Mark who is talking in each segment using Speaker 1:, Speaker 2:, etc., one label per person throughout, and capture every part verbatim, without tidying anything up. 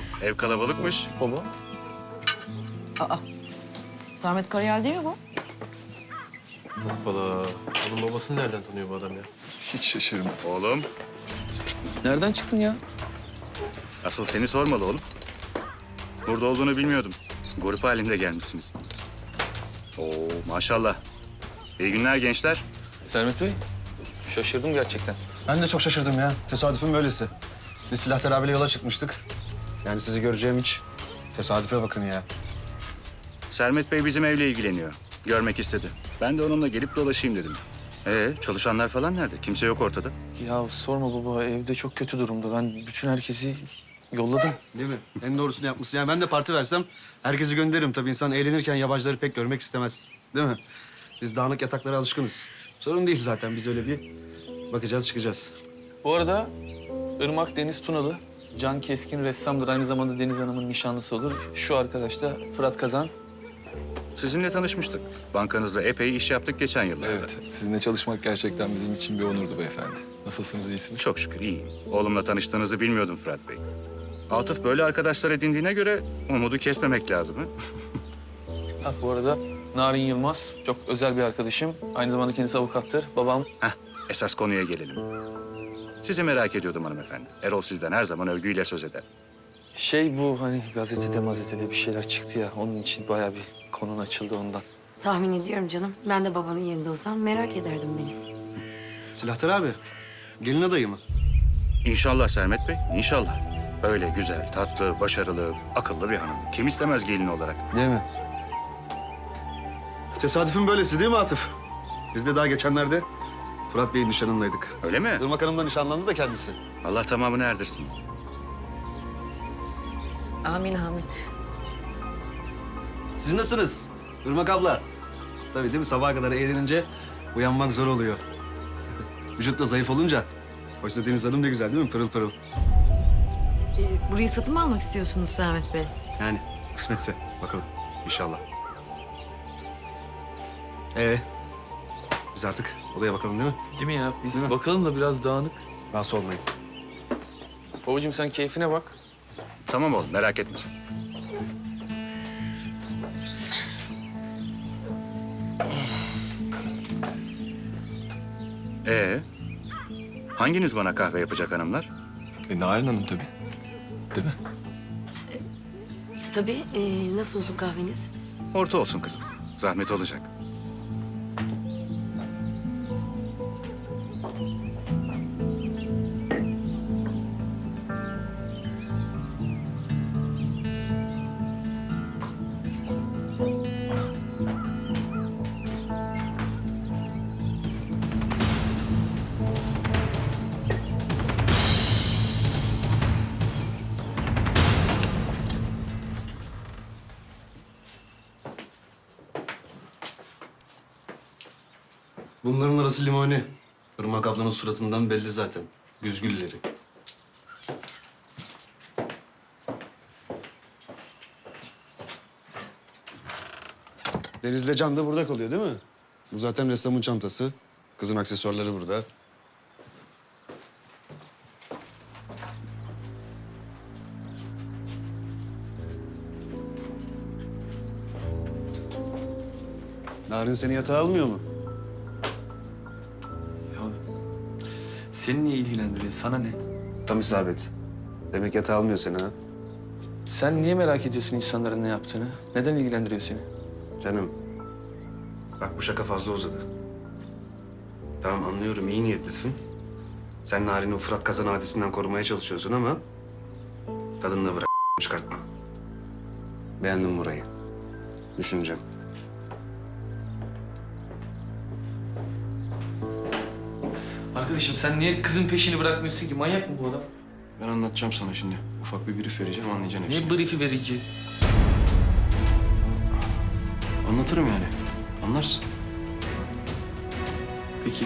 Speaker 1: ev kalabalıkmış.
Speaker 2: Baba.
Speaker 3: Aa, Sermet Karayel değil mi bu?
Speaker 2: Hoppala. Onun babasını nereden tanıyor bu adam ya?
Speaker 4: Hiç şaşırmadım.
Speaker 1: Oğlum,
Speaker 2: Nereden çıktın ya?
Speaker 1: asıl seni sormalı oğlum. Burada olduğunu bilmiyordum. Grup halinde gelmişsiniz. Oo, maşallah. İyi günler gençler.
Speaker 2: Sermet Bey, şaşırdım gerçekten.
Speaker 4: Ben de çok şaşırdım ya. Tesadüfün böylesi. Biz silah teraviyle yola çıkmıştık. Yani sizi göreceğim hiç. Tesadüfe bakın ya.
Speaker 1: Sermet Bey bizim evle ilgileniyor. Görmek istedi. Ben de onunla gelip dolaşayım dedim. Ee, çalışanlar falan nerede? Kimse yok ortada.
Speaker 2: Ya sorma baba, evde çok kötü durumda. Ben bütün herkesi yolladım.
Speaker 4: Değil mi? En doğrusunu yapmışsın. Yani ben de parti versem herkesi gönderirim. Tabii insan eğlenirken yabancıları pek görmek istemez. Değil mi? Biz dağınık yataklara alışkınız. Sorun değil zaten. Biz öyle bir bakacağız, çıkacağız.
Speaker 2: Bu arada Irmak Deniz Tunalı, Can Keskin ressamdır. Aynı zamanda Deniz Hanım'ın nişanlısı olur. Şu arkadaş da Fırat Kazan.
Speaker 1: Sizinle tanışmıştık. Bankanızda epey iş yaptık geçen yıllarda.
Speaker 5: Evet, sizinle çalışmak gerçekten bizim için bir onurdu beyefendi. Nasılsınız, iyisiniz?
Speaker 1: Çok şükür iyi. Oğlumla tanıştığınızı bilmiyordum Fırat Bey. Atıf böyle arkadaşlar edindiğine göre umudu kesmemek lazım. Ha?
Speaker 2: Ha, bu arada Narin Yılmaz, çok özel bir arkadaşım. Aynı zamanda kendisi avukattır. Babam.
Speaker 1: Heh, esas konuya gelelim. Sizi merak ediyordum hanımefendi. Erol sizden her zaman övgüyle söz eder.
Speaker 2: Şey bu hani gazetede mazetede bir şeyler çıktı ya. Onun için bayağı bir konun açıldı ondan.
Speaker 3: Tahmin ediyorum canım. Ben de babanın yerinde olsam merak ederdim benim.
Speaker 4: Silahtar abi, gelin adayı mı?
Speaker 1: İnşallah Sermet Bey, inşallah. Öyle güzel, tatlı, başarılı, akıllı bir hanım. Kim istemez gelin olarak?
Speaker 4: Değil mi? Tesadüfün böylesi değil mi Atıf? Biz de daha geçenlerde Fırat Bey'in nişanındaydık.
Speaker 1: Öyle mi?
Speaker 4: Irmak Hanım da nişanlandı da kendisi.
Speaker 1: Allah tamamını erdirsin.
Speaker 3: Amin amin.
Speaker 4: Siz nasılsınız? Irmak abla. Tabii değil mi? Sabaha kadar eğlenince uyanmak zor oluyor. Vücut da zayıf olunca. Oysa Deniz Hanım ne güzel değil mi? Pırıl pırıl.
Speaker 3: Ee, burayı satın mı almak istiyorsunuz Sermet Bey?
Speaker 4: Yani kısmetse bakalım inşallah. Ee, biz artık odaya bakalım değil mi?
Speaker 2: Değil mi ya? Biz
Speaker 4: Değil mi?
Speaker 2: bakalım da biraz dağınık.
Speaker 4: Rahatsız olmayın.
Speaker 2: Babacığım sen keyfine bak.
Speaker 1: Tamam oğlum, merak etme. Ee, hanginiz bana kahve yapacak hanımlar?
Speaker 5: E, Narin Hanım tabii. Değil mi?
Speaker 3: Tabii. ee, nasıl olsun kahveniz?
Speaker 1: Orta olsun kızım. Zahmet olacak.
Speaker 4: Bunların arası limoni. Irmak ablanın suratından belli zaten. Güzgülleri. Deniz'le Can da burada kalıyor değil mi? Bu zaten ressamın çantası. Kızın aksesuarları burada. Narin seni yatağa almıyor mu?
Speaker 2: Ya seni niye ilgilendiriyor? Sana ne?
Speaker 4: Tam isabet. Demek yatağa almıyor seni ha.
Speaker 2: Sen niye merak ediyorsun insanların ne yaptığını? Neden ilgilendiriyor seni?
Speaker 4: Canım, bak bu şaka fazla uzadı. Tamam anlıyorum, iyi niyetlisin. Sen Narin'i o Fırat Kazan hadisinden korumaya çalışıyorsun ama... ...tadını da bırak, çıkartma. Beğendim burayı. Düşüneceğim.
Speaker 2: Arkadaşım sen niye kızın peşini bırakmıyorsun ki? Manyak mı bu adam?
Speaker 5: Ben anlatacağım sana şimdi. Ufak bir brief vereceğim, anlayacaksın hepsini.
Speaker 2: Niye brief'i verici?
Speaker 5: Anlatırım yani. Anlarsın.
Speaker 2: Peki.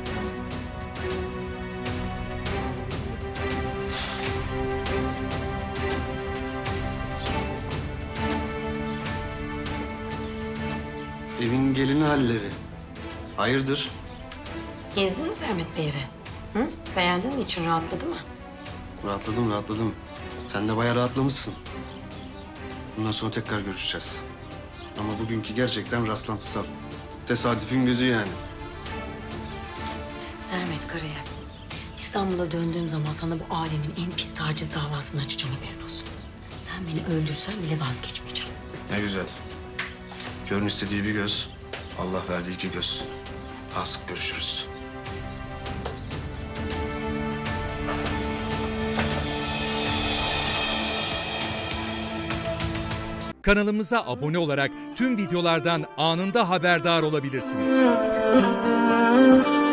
Speaker 4: Evin gelini halleri. Hayırdır?
Speaker 3: Gezdin mi Sermet Bey evi? Hı? Beğendin mi? İçin rahatladı mı?
Speaker 4: Rahatladım, rahatladım. Sen de bayağı rahatlamışsın. Bundan sonra tekrar görüşeceğiz. Ama bugünkü gerçekten rastlantısal. Tesadüfün gözü yani.
Speaker 3: Sermet Karayel, İstanbul'a döndüğüm zaman sana bu alemin en pis taciz davasını açacağım, haberin olsun. Sen beni öldürsen bile vazgeçmeyeceğim.
Speaker 4: Ne güzel. Körün istediği bir göz, Allah verdiği iki göz. Daha sık görüşürüz.
Speaker 6: Kanalımıza abone olarak tüm videolardan anında haberdar olabilirsiniz.